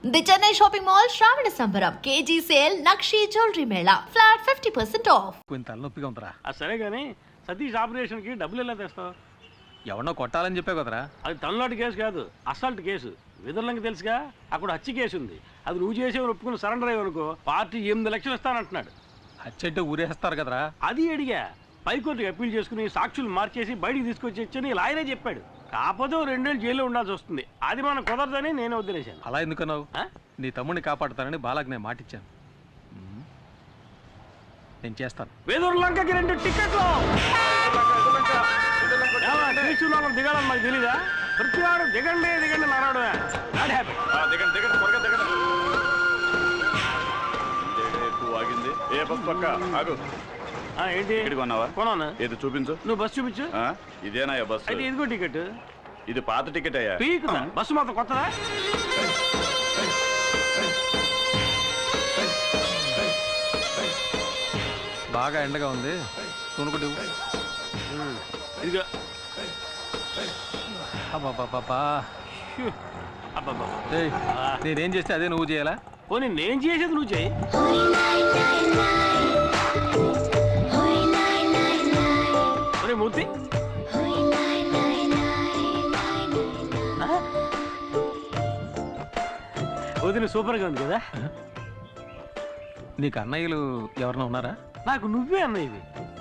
The Chennai shopping mall శ్రావణ సంబరం KG sale నక్షి జ్యువెలరీ మేళా ఫ్లాట్ 50% ఆఫ్. కొంచెం తలనొప్పిగా ఉందిరా. సరే కానీ సతీష్ ఆపరేషన్కి డబ్బులు ఎలా తెస్తావు? ఎవరినో కొట్టాలని చెప్పే కదరా. అది తమిళనాడు కేసు కాదు, అసాల్ట్ కేసు. విదర్లంకి తెలుసుగా, అక్కడ హత్య కేసు ఉంది. అది నువ్వు చేసేవారు ఒప్పుకుని సరెండర్ అయ్యనుకో పార్టీ 8 లక్షలు ఇస్తానంటున్నాడు. హత్య అంటే ఊరేస్తారు కదరా. అది అడిగా. పైకోర్టుకి అప్పీల్ చేసుకుని సాక్షులు మార్చేసి బయటికి తీసుకొచ్చి లాయరే చెప్పాడు. కాకపోతే 2 ఏళ్ళు జైల్లో ఉండాల్సి వస్తుంది. అది మనం కుదరదని నేను వదిలేశాను. అలా ఎందుకన్నావు? నీ తమ్ముడిని కాపాడుతానని బాలాకి నేను మాటిచ్చాను. నేను చేస్తాను. వేదూరులంకకి 2 టికెట్లు దిగాలని నాకు తెలీదా? ప్రతి వాడు దిగండి దిగండి నారాడు. ఏంటి కొన్నాను? ఏది చూపించు. నువ్వు బస్సు చూపించు. ఇదేనా బస్సు? అయితే ఇదిగో టికెట్. ఇది పాత టికెట్ అయ్యా. బస్సు మాత్రం కొత్తదా? బాగా ఎండగా ఉంది, కొనుక్కుంటు. ఇదిగో. నేనేం చేస్తే అదే నువ్వు చేయాలా? పోనీ నేను చేసేది నువ్వు చేయి. మూర్తి వదిన సూపర్గా ఉంది కదా. నీకు అన్నయ్యలు ఎవరన్నా ఉన్నారా? నాకు నువ్వే అన్నయ్యవి.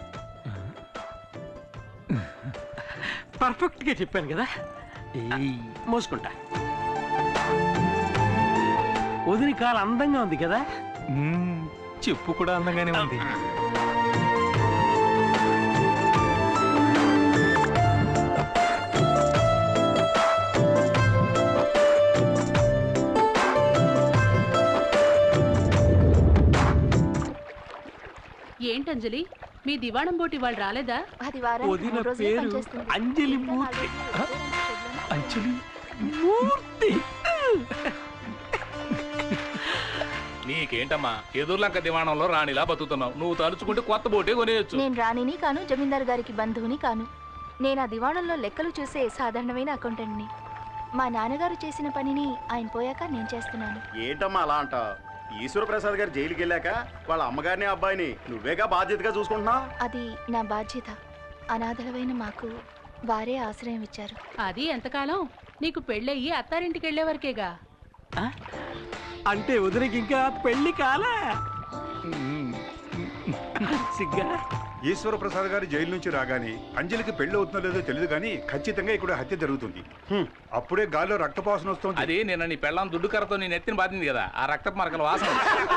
పర్ఫెక్ట్ గా చెప్పాను కదా. మోసుకుంటా. వదిన కాలు అందంగా ఉంది కదా. చెప్పు కూడా అందంగానే ఉంది. ఏంటంజలి, మీ దివాణం బోటి వాళ్ళు రాలేదా? వదిన పేరు అంజలి మూర్తి. అంజలి మూర్తి. నీకేంటమ్మా, ఎదుర్లంక దివాణంలో రాణిలా బతుకుతున్నావు. నువ్వు తలుచుకుంటే కొత్త బోటే కొనేయచ్చు. నేను రాణిని కాను, జమీందారు గారికి బంధువుని కాను. నేను ఆ దివాణంలో లెక్కలు చూసే సాధారణమైన అకౌంటెంట్ని. మా నాన్నగారు చేసిన పనిని ఆయన పోయాక నేను చేస్తున్నాను. ఏంటమ్మా అలా అంట? ఈశ్వరప్రసాద్ గారు జైలుకి వెళ్ళాక వాళ్ళ అమ్మగారిని అబ్బాయిని నువ్వేగా బాధ్యతగా చూసుకుంటున్నావు. అది నా బాధ్యత. అనాథలమైన మాకు వారే ఆశ్రయం ఇచ్చారు. అది ఎంతకాలం? నీకు పెళ్ళయ్యి అత్తారింటికి వెళ్లే వరకేగా. అంటే వదినకి ఇంకా పెళ్లి కాలే. సిగ్గా. ఈశ్వరప్రసాద్ గారు జైలు నుంచి రాగానే అంజలికి పెళ్లి అవుతుందో లేదో తెలియదు కానీ ఖచ్చితంగా ఇక్కడ హత్య జరుగుతుంది. అప్పుడే గాల్లో రక్తపాసన వస్తుంది. అది నేను నీ పెళ్ళాం దుడ్డు కర్రతో నేను ఎత్తిన బాధింది కదా, ఆ రక్తపు మరకల వాసన.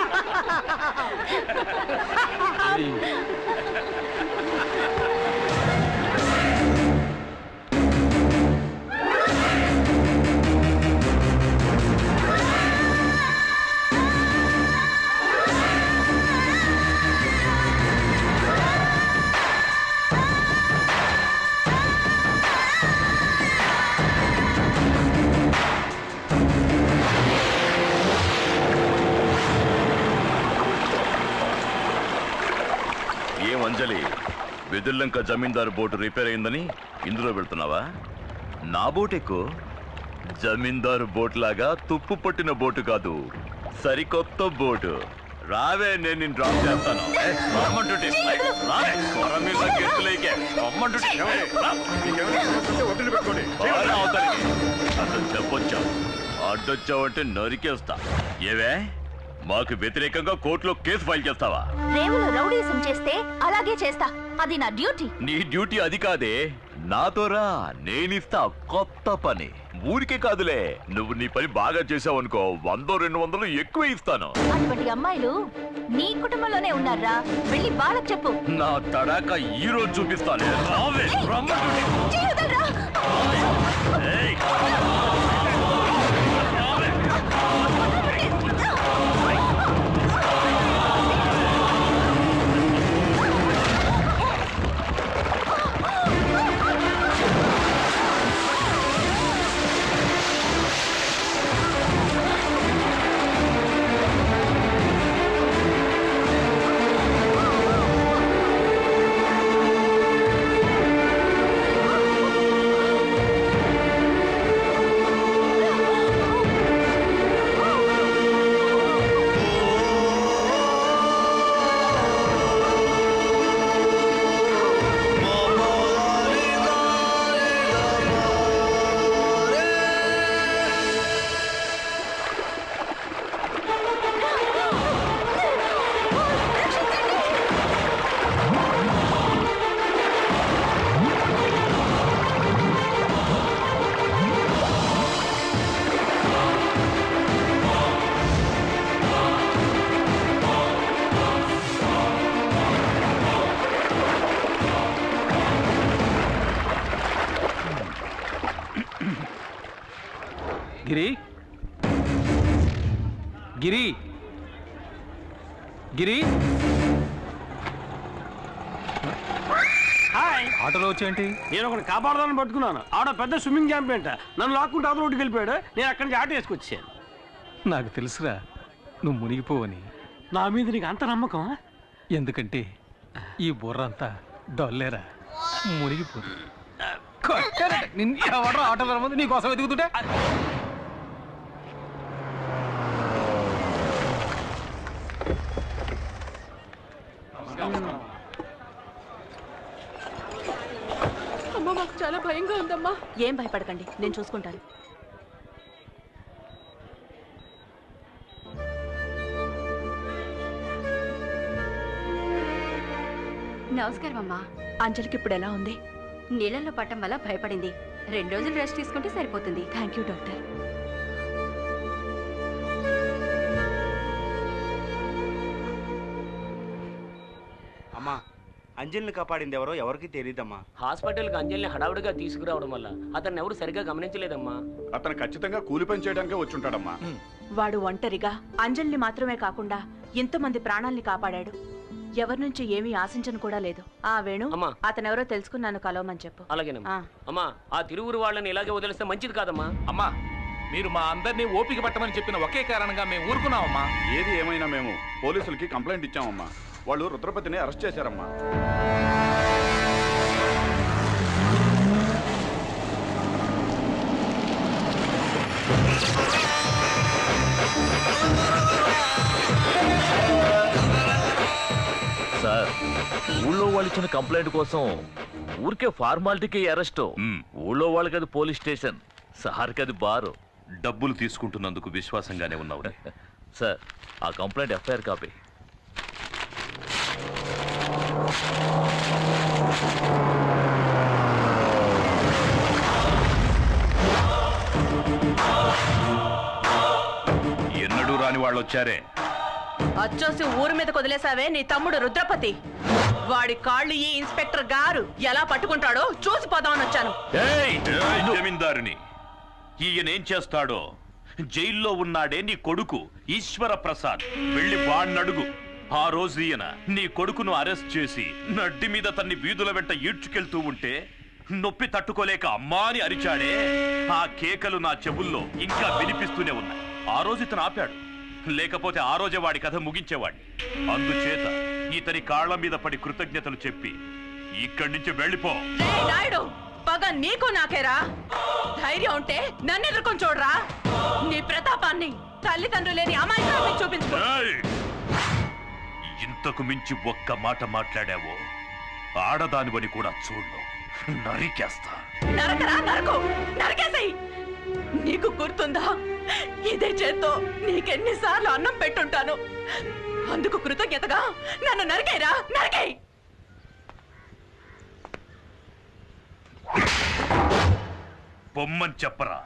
అంజలి, వెదుర్లంక జమీందారు బోటు రిపేర్ అయిందని ఇందులో వెళ్తున్నావా? నా బోట్ ఎక్కువ. జమీందారు బోట్ లాగా తుప్పు పట్టిన బోటు కాదు, సరికొత్త బోటు. రావే, నేను నిన్ను డ్రాప్ చేస్తాను. అసలు చెప్పొచ్చావు, అడ్డొచ్చావంటే నరికేస్తా. ఏవే, మాకు వ్యతిరేకంగా కోర్టులో కేసు ఫైల్ చేస్తావా? రేవులో రౌడీసం చేస్తే అలాగే చేస్తా. అది నా డ్యూటీ. నీ డ్యూటీ అది కాదే, నాతోరా, నేనిస్తా కొత్త పని. ఊరికే కాదులే, నువ్వు నీ పని బాగా చేసావు అనుకో, 100-200 ఎక్కువ ఇస్తాను. అటువంటి అమ్మాయిలు నీ కుటుంబంలోనే ఉన్నారా? వెళ్ళి బాలకు చెప్పు. నా తడాక ఈ రోజు చూపిస్తాను. గిరి గిరి గిరి హాయ్, ఆటోలో వచ్చేంటి? నేను ఒకటి కాపాడదాన్ని పట్టుకున్నాను. ఆడ పెద్ద స్విమ్మింగ్ ఛాంపియన్ నన్ను లాక్కుంటే అవతల రోడ్డుకి వెళ్ళిపోయాడు. నేను అక్కడి నుంచి ఆటో వేసుకొచ్చాను. నాకు తెలుసురా నువ్వు మునిగిపోవని. నా మీద నీకు అంత నమ్మకం? ఎందుకంటే ఈ బుర్ర అంతా డొల్లేరా, మునిగిపో. ఎవడో ఆటోలో రమ్మంది నీకోసం ఎదుగుతుంటే. అమ్మా మాకు చాలా భయంగా ఉందమ్మా. ఏం భయపడకండి, నేను చూసుకుంటాను. నమస్కారం అమ్మా. అంజలికి ఇప్పుడు ఎలా ఉంది? నీళ్ళల్లో పట్టం వల్ల భయపడింది. 2 రోజులు రెస్ట్ తీసుకుంటే సరిపోతుంది. Thank you doctor. అమ్మా, అంజలిని కాపాడింది ఎవరో ఎవరికి తెలియదమ్మా. హాస్పిటల్కి అంజలిని హడావుడిగా తీసుకురావడం వల్ల అతన్ని ఎవరు సరిగ్గా గమనించలేదమ్మా. అతను ఖచ్చితంగా కూలి పని చేయడానికే వచ్చుంటాడమ్మా. వాడు ఒంటరిగా అంజలిని మాత్రమే కాకుండా ఎంతమంది ప్రాణాల్ని కాపాడాడు. ఎవరి నుంచి ఏమీ ఆశించను కూడా లేదు. ఆ వేణు, అమ్మా. అతనెవరో తెలుసుకున్నాను, కలవమని చెప్పు. అలాగేనమ్మా. ఆ. అమ్మా, ఆ తిరువురు వాళ్ళని ఇలాగే వదిలేస్తే మంచిది కాదమ్మా. అమ్మా, మీరు మా అందరినీ ఓపిక పట్టమని చెప్పిన ఒకే కారణంగా మేము ఊరుకున్నామమ్మా. ఏది ఏమైనా మేము పోలీసులకి కంప్లైంట్ ఇచ్చామమ్మా. వాళ్ళు రుద్రపతిని అరెస్ట్ చేశారమ్మా. సార్, ఊళ్ళో వాళ్ళు ఇచ్చిన కంప్లైంట్ కోసం ఊరికే ఫార్మాలిటీకి అరెస్ట్. ఊళ్ళో వాళ్ళకి అది పోలీస్ స్టేషన్, సార్కి అది బారు. డబ్బులు తీసుకుంటున్నందుకు విశ్వాసంగానే ఉన్నావు సార్. ఆ కంప్లైంట్ ఎఫ్ఐఆర్ కాపీ. ఎన్నడూ రాని వాళ్ళు వచ్చారే. అచ్చోసి ఊరి మీద వదిలేసావే నీ తమ్ముడు రుద్రపతి. వాడి కాళ్ళు ఈ ఇన్స్పెక్టర్ గారు ఎలా పట్టుకుంటాడో చూసిపోదామని వచ్చాను. జమీందారుని ఈయనేం చేస్తాడో. జైల్లో ఉన్నాడే నీ కొడుకు ఈశ్వర ప్రసాద్, వెళ్ళి వాణ్ణడుగు. ఆ రోజు ఈయన నీ కొడుకును అరెస్ట్ చేసి నడ్డి మీద తన్ని వీధుల వెంట ఈడ్చుకెళ్తూ ఉంటే నొప్పి తట్టుకోలేక అమ్మా అని అరిచాడే. ఆ కేకలు నా చెవుల్లో ఇంకా వినిపిస్తూనే ఉన్నాయి. ఆ రోజు ఇతను ఆపాడు, లేకపోతే ఆ రోజే వాడి కథ ముగించేవాడిని. అందుచేత ఇతని కాళ్ల మీద పడి కృతజ్ఞతలు చెప్పి ఇక్కడి నుంచి వెళ్ళిపో. నాయుడు, పగ నీకు నాకేరా. ధైర్యం ఉంటే నన్ను ఎదుర్కొని చూడరా. నీ ప్రతాపాన్ని తల్లిదండ్రులు లేని అమాయకాన్ని చూపించుకో. ఇంతకు మించి ఒక్క మాట మాట్లాడావో ఆడదానివని కూడా చూడు, నరికేస్తా. నరకరా, నరకు, నరకేసేయ్. నీకు గుర్తుందా, ఇదే చేత్తో నీకెన్నిసార్లు అన్నం పెట్టుంటాను. అందుకు కృతజ్ఞతగా నన్ను నరికేరా, నరికేయ్. బొమ్మని చెప్పరా.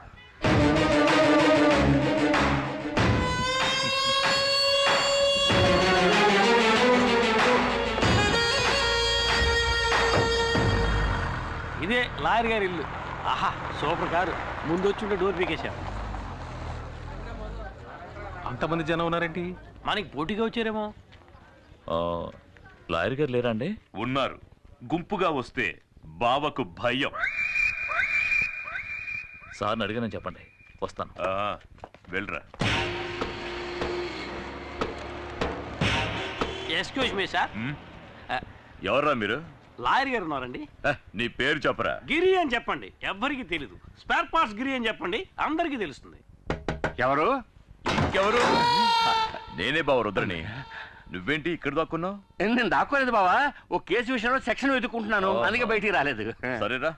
ఇదే లాయర్ గారి ఇల్లు. ఆహా, సూపర్ కారు. ముందు వచ్చి డోర్ పీకేశాం. అంతమంది జనం ఉన్నారేంటి? మనకి పోటీగా వచ్చారేమో. లాయర్ గారు లేరా అండి? ఉన్నారు. గుంపుగా వస్తే బావకు భయం. సార్ని అడిగానని చెప్పండి, వస్తాను. వెళ్ళరా. Excuse me sir. ఎవర్రా మీరు? లాయర్ గారు ఉన్నారండి. నీ పేరు చెప్పరా. గిరి అని చెప్పండి, ఎవ్వరికి తెలీదు. స్పేర్ పార్ట్స్ గిరి అని చెప్పండి, అందరికీ తెలుస్తుంది. ఎవరు? ఇంకెవరు? నేనే బావ రుద్రని. నువ్వేంటి ఇక్కడ దాక్కున్నావు? నేను దాక్కోలేదు బావా, ఓ కేసు విషయంలో సెక్షన్ వెతుక్కుంటున్నాను, అందుకే బయటికి రాలేదు. సరేరా.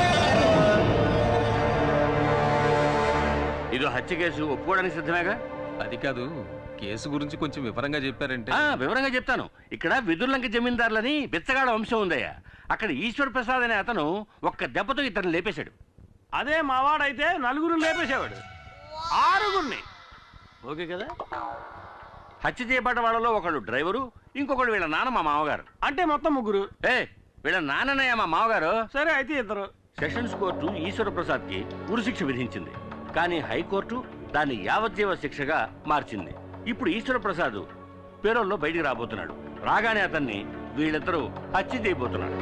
ఇది హత్య కేసు, ఒప్పుకోవడానికి సిద్ధమేగా? అది కాదు, కేసు గురించి కొంచెం వివరంగా చెప్పారంటే. వివరంగా చెప్తాను. ఇక్కడ విదుర్లంక జమీందారులని బిచ్చగాడ వంశం ఉందయ్యా. అక్కడ ఈశ్వర్ ప్రసాద్ అనే అతను ఒక్క దెబ్బతో ఇతను లేపేశాడు. అదే మావాడైతే నలుగురు లేపేసేవాడు, 6గురిని. ఓకే కదా? హత్య చేయబడ్డ వాళ్ళలో ఒకడు డ్రైవరు, ఇంకొకడు వీళ్ళ నాన్న మా మామగారు. అంటే మొత్తం 3. వీళ్ళ నాన్ననయ్య మా మామగారు. సరే అయితే 2. సెషన్స్ కోర్టు ఈశ్వర ప్రసాద్ కి ఉరిశిక్ష విధించింది. కానీ హైకోర్టు దాన్ని యావజ్జీవ శిక్షగా మార్చింది. ఇప్పుడు ఈశ్వర ప్రసాద్ పేరోల్లో బయటికి రాబోతున్నాడు. రాగానే అతన్ని వీళ్ళిద్దరూ హత్య చేయబోతున్నాడు.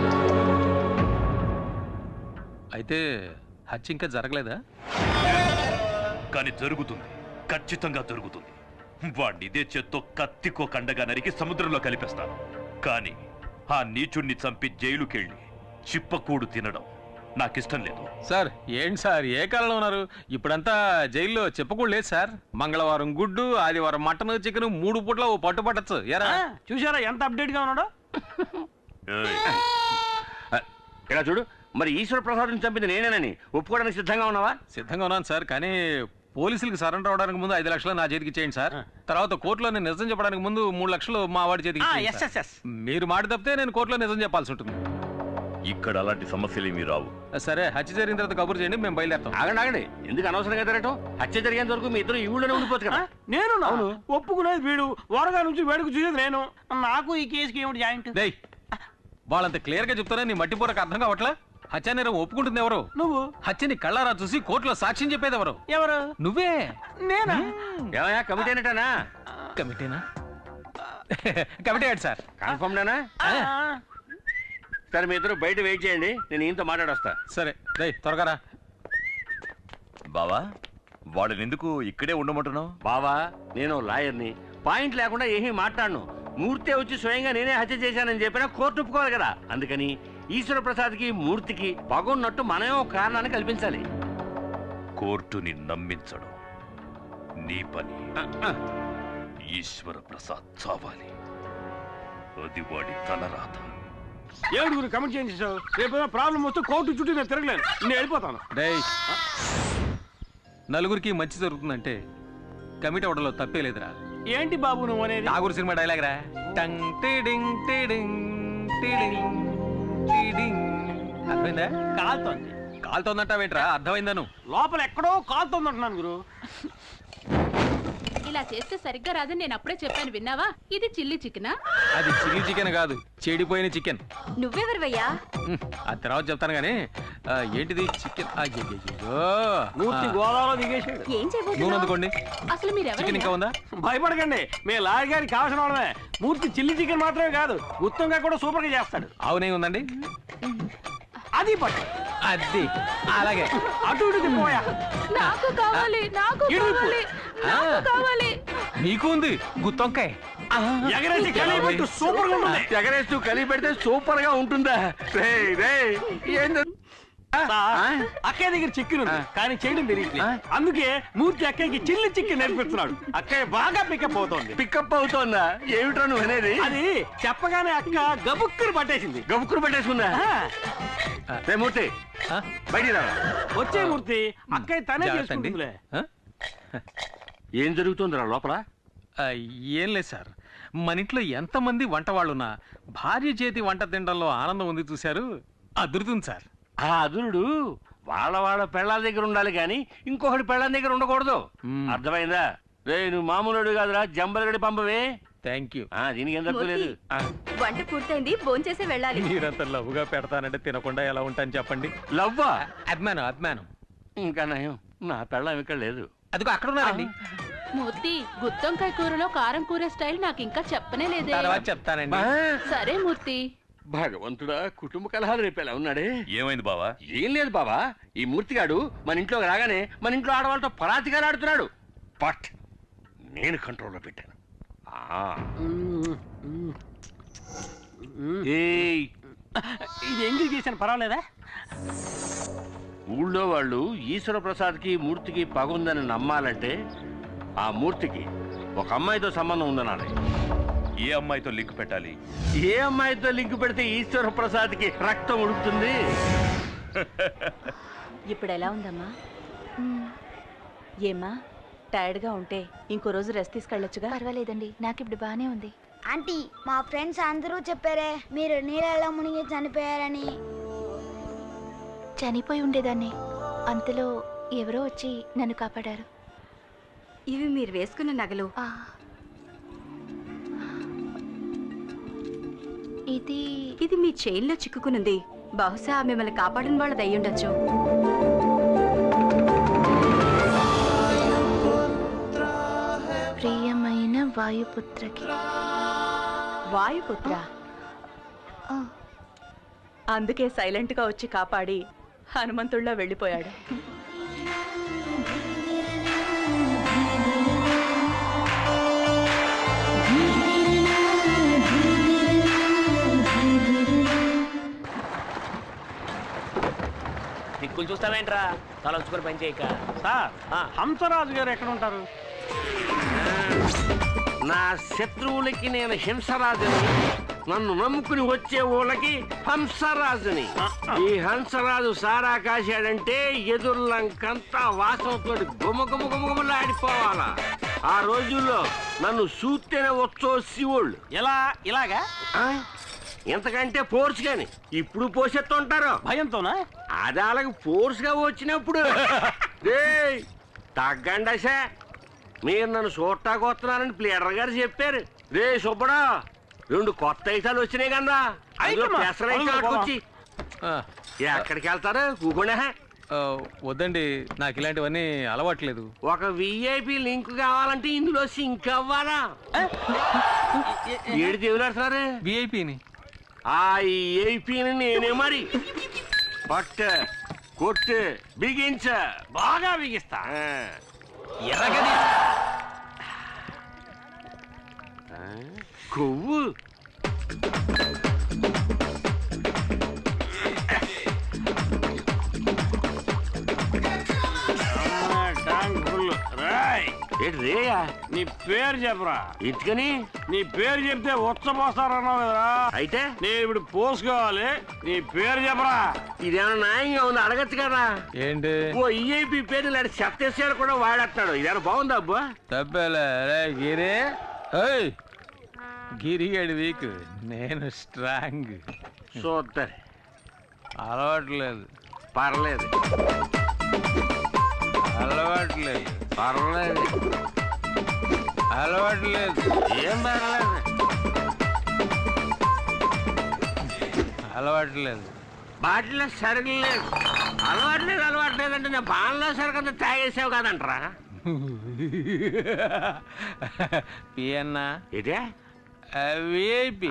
అయితే హత్య ఇంకా జరగలేదా? కానీ జరుగుతుంది, ఖచ్చితంగా జరుగుతుంది. వాడిని ఇదే చేత్తో కత్తికో కండగా నరికి సముద్రంలో కలిపేస్తాను. కానీ ఆ నీచుణ్ణి చంపి జైలుకెళ్ళి చిప్పకూడు తినడం నాకిష్టం లేదు. సార్ ఏంటి సార్ ఏ కాలంలో ఉన్నారు? ఇప్పుడంతా జైల్లో చెప్పకూడదు లేదు సార్. మంగళవారం గుడ్డు, ఆదివారం మటన్, చికెన్ 3 పూట్ల ఓ పట్టు పట్టచ్చు. ఎరా చూసారా ఎంత అప్డేట్ గా ఉన్నాడో? ఇలా చూడు, మరి ఈశ్వర ప్రసాద్ని చంపింది నేనేనని ఒప్పుకోవడానికి సిద్ధంగా ఉన్నావా? సిద్ధంగా ఉన్నాను సార్, కానీ పోలీసులకు సరెండర్ అవడానికి ముందు 5 లక్షలు నా చేతికి ఇచ్చేయండి సార్. తర్వాత కోర్టులో నేను నిజం చెప్పడానికి ముందు 3 లక్షలు మా వాడి చేతికి ఇచ్చేయండి సార్. మీరు మాట తప్పితే నేను కోర్టులో నిజం చెప్పాల్సి ఉంటుంది. ఇక్కడ అలాంటి సమస్యలు ఏమీ రావు. సరే, హత్య జరిగిన తర్వాత కబురు చేయండి, మేము బయలుదేరుతాం. ఆగండి, ఎందుకు అనవసరంగా తిరగటం? హత్య జరిగేంత వరకు మీ ఇద్దరు ఈ ఊళ్ళోనే ఉండిపోవచ్చు కదా. నేను ఒప్పుకునేది వీడు, వరగా నుంచి వేడుకు చూసేది నేను. నాకు ఈ కేసుకి ఏమిటి జాయింట్? వాళ్ళంత క్లియర్ గా చెప్తారా నీ మట్టిపూరకు అర్థం కావట్లా? హత్య నేరం ఒప్పుకుంటుంది ఎవరు? నువ్వు. హత్యని కళ్ళారా చూసి కోర్టులో సాక్ష్యం చెప్పేది ఎవరు? ఎవరు? నువ్వే. నేనా? ఏమయ్యా, కమిటీ అనేటానా? కమిటీనా? కమిటీ ఏంటి సార్? కన్ఫర్మ్ నేనా? సరే, మీ ఇద్దరు బయట వెయిట్ చేయండి, నేను ఈయనతో మాట్లాడొస్తా. సరే త్వరగా రా. బావా, వాడిని ఎందుకు ఇక్కడే ఉండమంటున్నావు? బావా, నేను లాయర్ని, పాయింట్ లేకుండా ఏమీ మాట్లాడను. మూర్తి వచ్చి స్వయంగా నేనే హత్య చేశానని చెప్పినా కోర్టు ఒప్పుకోవాలి కదా. అందుకని ఈశ్వర ప్రసాద్కి మూర్తికి పగున్నట్టు మనమే ఒక కారణాన్ని కల్పించాలి. కోర్టుని నమ్మించడం నీ పని. ఈశ్వర ప్రసాద్ చావాలి, అది వాడి తలరాత. ఏడుగురు కమెంట్ చేయించావు. రేపు ప్రాబ్లం వస్తే కోర్టు చుట్టూ నేను తిరగలేను, నేను వెళ్ళిపోతాను. నలుగురికి మంచి జరుగుతుందంటే కమిటీ అవడంలో తప్పే లేదురా. ఏంటి బాబు నువ్వు అనేది? నాగూరు సినిమా డైలాగ్ రా. టంగ్ టిడింగ్ టిడింగ్ టిడింగ్ టిడింగ్. అర్థమైందా? కాలుతోంది. కాలుతోందంటావేంట్రా? అర్థమైందా? నువ్వు లోపల ఎక్కడో కాలుతోంది అంటున్నాను గురు. ఇలా చేస్తే సరిగ్గా రాదని నేను అప్పుడే చెప్పాను, విన్నావా? ఇది చిల్లీ చికెనా? అది చిల్లీ చికెన్ కాదు, చెడిపోయిన చికెన్. నువ్వెవరివయ్యా? ఆ తర్వాత చెప్తాను గానీ ఏంటిది చికెన్? మూర్తి గోదావరిలో దిగేసాడు. ఏం నూనె అందుకోండి. అసలు మీరు చికెన్ ఇంకా ఉందా? భయపడకండి, మీ లాయర్ గారికి కావాల్సిన వాళ్ళమే. మూర్తి చిల్లీ చికెన్ మాత్రమే కాదు, గుత్తంగా కూడా సూపర్ గా చేస్తాడు. అవునే ఉందండి, అది పట్టు. అది అలాగే అటు ఇటు తిప్పోయా. నాకు కావాలి, నాకు కావాలి, నాకు కావాలి. నీకు ఉంది గుత్తొంకాయ. ఎగరేసి కలిపెట్టు, సూపర్ గా ఉంటుంది. ఎగరేస్తూ కలిపి పెడితే సూపర్ గా ఉంటుందా? అక్కయ్య దగ్గర చికెన్ ఉంది కానీ చేయడం తెలియట్లేదు. అందుకే మూర్తి అక్కయ్యకి చిల్లి చికెన్ నేర్పిస్తున్నాడు. అక్కయ్య బాగా పికప్ అవుతోంది. పికప్ అవుతోందా? ఏమిట్రా నువ్వు అనేది? అది చెప్పగానే అక్క గబుక్కురు పట్టేసింది. గబుక్కురు పట్టేసుకుందా? మూర్తి బయటికి రా. వచ్చే మూర్తి, అక్కయ్య తనే చేసుకుంటుందిలే. ఏం జరుగుతుందిరా లోపల? ఏం లేదు సార్, మన ఇంట్లో ఎంతమంది వంట వాళ్ళున్నా భార్య చేతి వంట తినడంలో ఆనందం ఉంది చూశారు, అదురుతుంది సార్. ఆ అదురుడు వాళ్ళ పెళ్ళాల దగ్గర ఉండాలి కానీ ఇంకొకటి పెళ్ళాల దగ్గర ఉండకూడదు. అర్థమైందా? రే, నువ్వు మామూలుడు కాదురా, జంబలగడి పంపవే. Thank you. దీనికి ఏం తప్పలేదు. వంట పూర్తయింది, భోంచేసి వెళ్ళాలి. మీరంత లవ్వుగా పెడతానంటే తినకుండా ఎలా ఉంటాను చెప్పండి. లవ్వా? అభిమానం. ఇంకా నయం, నా పెళ్ళం ఇక్కడ లేదు. అదిగో అక్కడ ఉన్నారండి. మూర్తి, గుత్తొంకాయ కూరలో కారం కూరే స్టైల్ నాకు ఇంకా చెప్పనే లేదే. తర్వాత చెప్తానండి. సరే మూర్తి. భగవంతుడా, కుటుంబ కలహాలు రేపేలా ఉన్నాడే. ఏమైంది బావా? ఏం లేదు బావా, ఈ మూర్తిగాడు మన ఇంట్లోకి రాగానే మన ఇంట్లో ఆడవాళ్ళతో పరాతిగా ఆడుతున్నాడు. బట్ నేను కంట్రోల్లో పెట్టాను. ఇది ఎంగిల్ చేశాను, పర్వాలేదా? ఊళ్ళో వాళ్ళు ఈశ్వర ప్రసాద్కి మూర్తికి పగుందని నమ్మాలంటే ఆ మూర్తికి ఒక అమ్మాయితో సంబంధం ఉందనాలి. ఏ అమ్మాయితో లింక్ పెట్టాలి? ఏ అమ్మాయితో లింక్ పెడితే ఈశ్వర ప్రసాద్కి రక్తం ఉడుకుతుంది? ఇప్పుడు ఎలా ఉందమ్మా? ఏమ్మా, టైర్డ్గా ఉంటే ఇంకో రోజు రెస్ట్ తీసుకెళ్ళొచ్చుగా. పర్వాలేదండి, నాకు ఇప్పుడు బానే ఉంది. ఆంటీ, మా ఫ్రెండ్స్ అందరూ చెప్పారే మీరు నీళ్ళలో మునిగి చనిపోయారని. చనిపోయి ఉండేదాన్ని, అంతలో ఎవరో వచ్చి నన్ను కాపాడారు. ఇవి మీరు వేసుకున్న నగలు. ఇది మీ చైన్లో చిక్కుకునుంది. బహుశా మిమ్మల్ని కాపాడిన వాళ్ళది అయ్యుండొచ్చు. ప్రియమైన వాయుపుత్రకి. వాయుపుత్ర అందుకే సైలెంట్ గా వచ్చి కాపాడి హనుమంతుళ్ళ వెళ్ళిపోయాడు. దిక్కులు చూస్తావేంట్రా తల వచ్చుకొని పని చేయక. సార్ హంసరాజు గారు ఎక్కడ ఉంటారు? నా శత్రువులకి నేను హింసరాజుని, నన్ను నమ్ముకుని వచ్చే ఊళ్ళకి హంసరాజుని. ఈ హంసరాజు సారా కాశాడంటే ఎదుర్లంకంతా వాసనతో గుమగుమగుమగుమలాడిపోవాలా. ఆ రోజుల్లో నన్ను చూస్తేనే వచ్చో శివుళ్ళు. ఇలాగా ఎంతకంటే ఫోర్స్ గాని ఇప్పుడు పోసెత్తుంటారు భయంతోనా? అది అలాగ ఫోర్స్ గా వచ్చినప్పుడు తగ్గండసా. మీరు నన్ను చూడటానికి వస్తున్నారని ప్లేడర్ గారు చెప్పారు. రే సుబ్బడా, 2 కొత్త ఐటాలు వచ్చినాయి కదా, వచ్చి ఎక్కడికి వెళ్తారు? కూకుండా వద్దండి, నాకు ఇలాంటివన్నీ అలవాట్లేదు. ఒక విఐపి లింక్ కావాలంటే ఇందులో సింక్ అవ్వాలా? ఏడు దేవులాడుతున్నారు విఐపిని. ఆ విఐపిని నేనే మరి పట్టు కొట్టు బిగించ బాగా బిగిస్తా. ఎర్రగది కొవ్వు రేయా. నీ పేరు చెప్పరా? ఇటుకని నీ పేరు చెప్తే ఉచ్చపోస్తారన్నావు కదరా. అయితే నేను ఇప్పుడు పోసుకోవాలి. నీ పేరు చెప్పరా? ఇదేమన్నా న్యాయంగా ఉంది? అడగచ్చు కదా. ఏంటి ఓ ఈఐపి పేరు ఇలాంటి చెత్తేసాడు కూడా వాడేస్తాడు. ఇదేనా బాగుందా అబ్బా? తప్పేలే గిరి. గిరిగాడి వీక్, నేను స్ట్రాంగ్. చూద్దరు అలవాట్లేదు. పర్లేదు అలవాట్లేదు. పర్లేదు అలవాట్లేదు. ఏం పర్లేదు అలవాట్లేదు. బాటిలో సరుకు లేదు. అలవాట్లేదు అంటే నేను బాణలో సరుకు అంతా తాగేసావు కదంటరా. పియన్నా ఇదే విఐపి.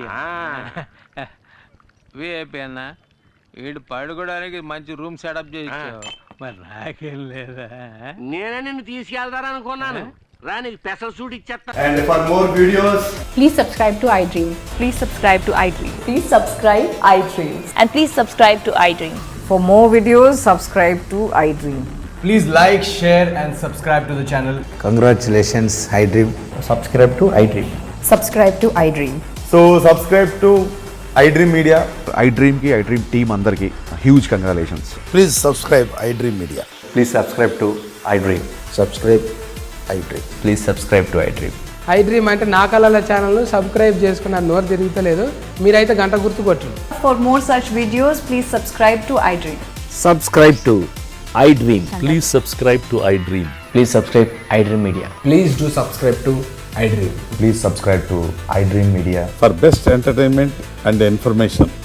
విఐపి అన్న, వీడు పడుకోవడానికి మంచి రూమ్ సెటప్ చేయించావు, మరి నాకేం లేదా? నేనే నిన్ను తీసుకెళ్తారనుకున్నాను. రా, నీకు స్పెషల్ సూట్ ఇచ్చేస్తా. And for more videos, please subscribe to iDream. Please subscribe to iDream. Please subscribe iDream. And please subscribe to iDream. For more videos, subscribe to iDream. please like, share and subscribe to the channel. Congratulations, iDream. Subscribe to iDream. Subscribe to iDream. So subscribe to iDream Media. iDream ki iDream team andarki huge congratulations. Please subscribe iDream Media. Please subscribe to iDream. Subscribe iDream. Please subscribe to iDream. iDream అంటే నా కళల channel subscribe చేసుకున్న నోరు తిరుగుతలేదు. మీరైతే గంట గుర్తు కొట్టండి. For more such videos, please subscribe to iDream. Subscribe to iDream. Please subscribe to iDream. Please subscribe iDream Media. Please do subscribe to iDream. Please subscribe to iDream Media. For best entertainment and information,